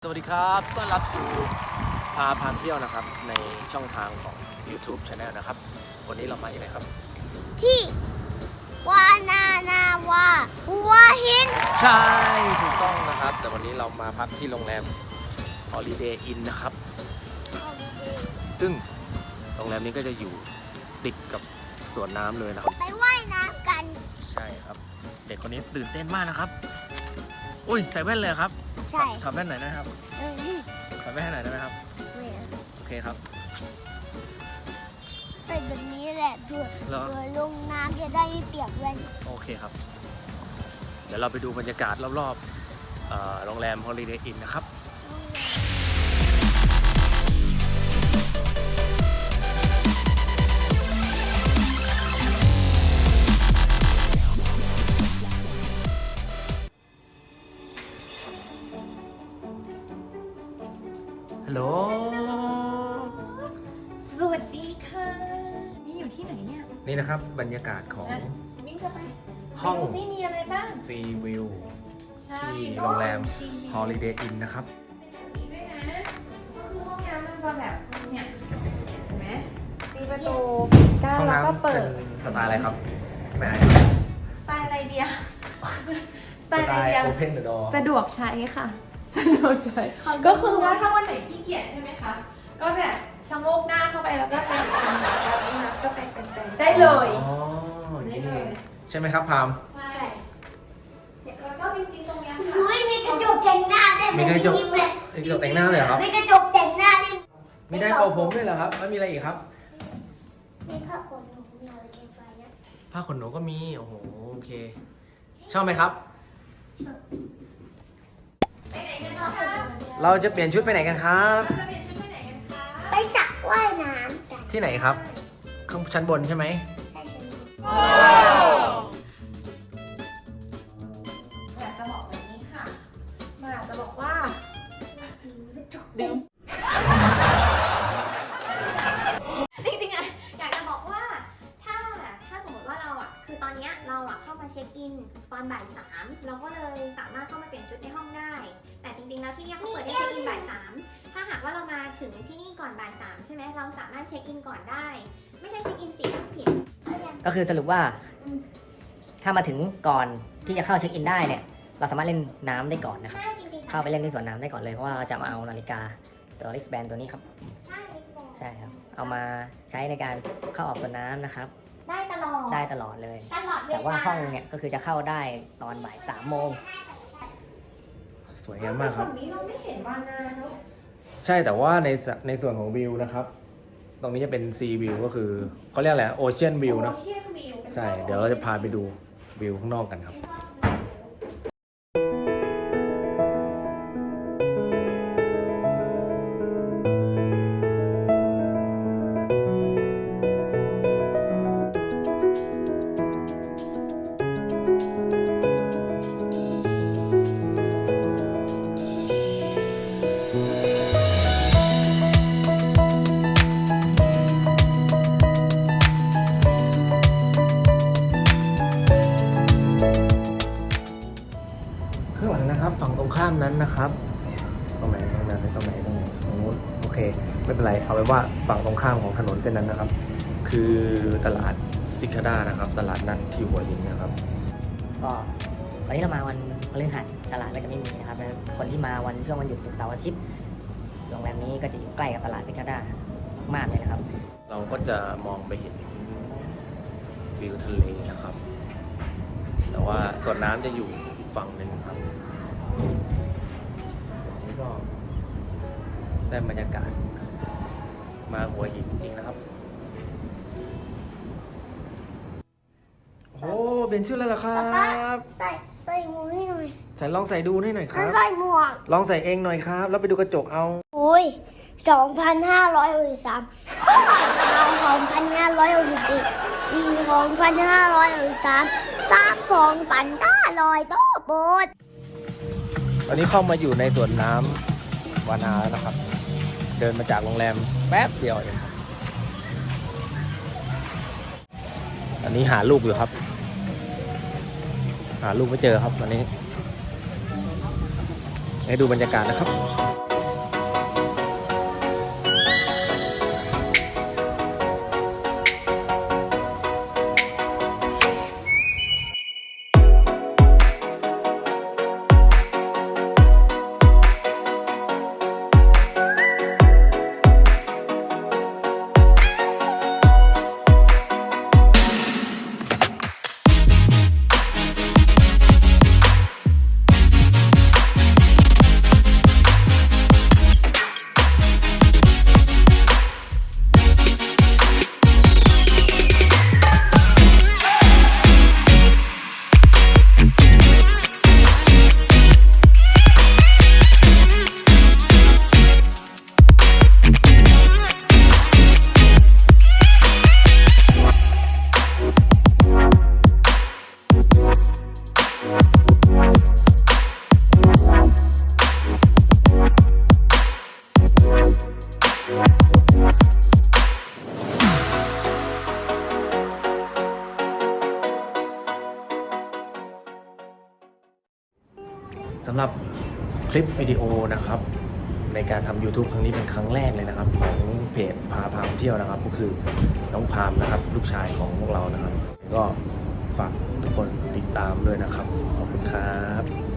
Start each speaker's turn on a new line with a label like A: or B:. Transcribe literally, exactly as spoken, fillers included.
A: สวัสดีครับต้อนรับสู่พาพาเที่ยวนะครับในช่องทางของ YouTube Channel นะครับวันนี้เรามาที่ไหนครับ
B: ที่วานานาวาหัวหิน
A: ใช่ถูกต้องนะครับแต่วันนี้เรามาพักที่โรงแรม Holiday Inn นะครับซึ่งโรงแรมนี้ก็จะอยู่ติดกับสวนน้ำเลยนะครับ
B: ไปว่ายน้ำกัน
A: ใช่ครับเด็กคนนี้ตื่นเต้นมากนะครับอุ้ยใส่แว่นเลยครับ
B: ใช่
A: ถอดแว่นหน่อยนะครับถอดแว่นให้หน่อยได้ไหมครับโอเคครับ
B: ใส่แบบนี้แหละเผื่อเผื่อลงน้ำจะได้ไม่เปียกแว่น
A: โอเคครับเดี๋ยวเราไปดูบรรยากาศรอบๆโรงแรม Holiday Inn นะครับฮัลโหล
C: สวัสดีค่ะนี่อยู่ที่ไหนเนี่ย
A: นี่นะครับบรรยากาศของ
C: วิ่งจะไป
A: ห้อง
C: ที่มีอะไรบ้าง
A: ซีวิวที่โรงแรม Holiday Inn นะครับ
C: มีด้วยนะก็คือห้องน้ำมันจะแบบเนี่ยเห็นไหมมีประตูกั้นแล้วก็เปิด
A: สไตล์อะไรครับไม่ไอ
C: สไตล์อะไรเดียว
A: สไตล์ Open the door
C: สะดวกใช้ค่ะสะดวกใช้ก็คือว่าถ้าวันไหนขี้เกียจใช่ไหมคะก็แบบชะโงกหน้าเข้าไปแล้วก็เป็นแบบนี้นะก็เป็นเป็นได้เลย
A: อ๋อได้เลยใช่ไหมครับพาม
C: ใช่แล้วก็จริงๆตรงนี้ค่ะ
B: อุ้ยมีกระจกแต่งหน้าได้
A: มีกระจกมีกระจกแต่งหน้าเลยครับ
B: มีกระจกแต่งหน้าได้
A: มีได้เป่าผมด้วยเหรอครับแล้วมีอะไรอีกครับ
B: มีผ้าขนหนูมีอะไรเก็บไว้นะ
A: ผ้าขนหนูก็มีโอ้โหโอเคชอบไหมครับเราจะเปลี่ยนชุดไปไหนกันครับ
C: จะเปลี่ยนชุดไปไหนกันคะ
B: ไปสระว่ายน้ำกัน
A: ที่ไหนครับข้างชั้นบนใช่ไหม
B: ใช่ใช่
C: อยากจะบอกแบบนี้ค่ะมาอยากจะบอกว่า
B: ดึง
C: จริงๆอะอยากจะบอกว่าถ้าถ้าสมมติว่าเราอะคือตอนนี้เราอะเข้ามาเช็คอินตอนบ่ายสามเราก็เลยสามารถเข้ามาเปลี่ยนชุดในห้องได้แต่จริงๆแล้วที่นี่เขาเปิดให้เช็คอินบ่ายสามถ้าหากว่าเรามาถึงที่นี่ก่อนบ่ายสามใช่ไหมเราสามารถเช็คอินก่อนได้ไม่ใช่เช็คอินสี่ทุ่มผิด
D: ก็คือสรุปว่าถ้ามาถึงก่อนที่จะเข้าเช็คอินได้เนี่ยเราสามารถเล่นน้ำได้ก่อนนะครับเข้าไปเล่นที่สวนน้ำได้ก่อนเลยเพราะว่าเราจะมาเอานาฬิกาตัวริสแบนตัวนี้ครับใช่ครับเอามาใช้ในการเข้าออกสวนน้ำนะครับ
B: ได้ตลอด
D: ได้ตลอดเลย
B: ตลอด
D: แต่ว่าห้องเนี่ยก็คือจะเข้าได้ตอนบ่ายสามโมง
A: สวยงามมากครับ
C: ตรงนี้เราไม่เห็นวานาเนาะ
A: ใช่แต่ว่าในในส่วนของวิวนะครับตรงนี้จะเป็นซีวิวก็คือเขาเรียกอะไรโอเชียนวิวนะใช่เดี๋ยวเราจะพาไปดูวิวข้างนอกกันครับข้างหลังนะครับฝั่งตรงข้ามนั้นนะครับตรงไหนตรงนั้นตรงไหนตรงไหนตรงนู้นโอเคไม่เป็นไรเอาไว้ว่าฝั่งตรงข้ามของถนนเส้นนั้นนะครับคือตลาดซิคาด้านะครับตลาดนัดที่หัวหินนะครับ
D: ก็วันนี้เรามาวันพฤหัสตลาดก็จะไม่มีนะครับคนที่มาวันช่วงวันหยุดศุกร์เสาร์อาทิตย์โรงแรมนี้ก็จะอยู่ใกล้กับตลาดซิคาด้ามากเลยนะครับ
A: เราก็จะมองไปเห็นวิวทะเลนะครับแต่ว่าส่วนน้ำจะอยู่อีกฝั่งหนึ่งครับนี่ก็ได้บรรยากาศมาหัวหินจริงๆนะครับโอ้เปลี่ยนชุดแล้วเหรอครับ
B: ใส่ใส่หมวกให้หน่อย
A: ใส่ลองใส่ดูให้หน่อยครับ
B: ใส่หมวก
A: ลองใส่เองหน่อยครับแล้วไปดูกระจกเอา
B: อุ้ยสองพันห้าร้อยหกสิบสามสองพันห้าร้อยหกสิบสี่สี่สองพันห้าร้อยหกสิบสามสามสองพันห้าร้อยโต๊ะโบด
A: ตอนนี้เข้ามาอยู่ในสวนน้ำวานาแล้วนะครับเดินมาจากโรงแรมแป๊บเดียวเองอันนี้หาลูกอยู่ครับหาลูกไม่เจอครับวันนี้ให้ดูบรรยากาศนะครับ สำหรับคลิปวิดีโอนะครับ ในการทำ YouTube ครั้งนี้เป็นครั้งแรกเลยนะครับ ของเพจพาพามเที่ยวนะครับ ก็คือน้องพามนะครับ ลูกชายของพวกเรานะครับ ก็ฝากทุกคนติดตามด้วยนะครับ ขอบคุณครับ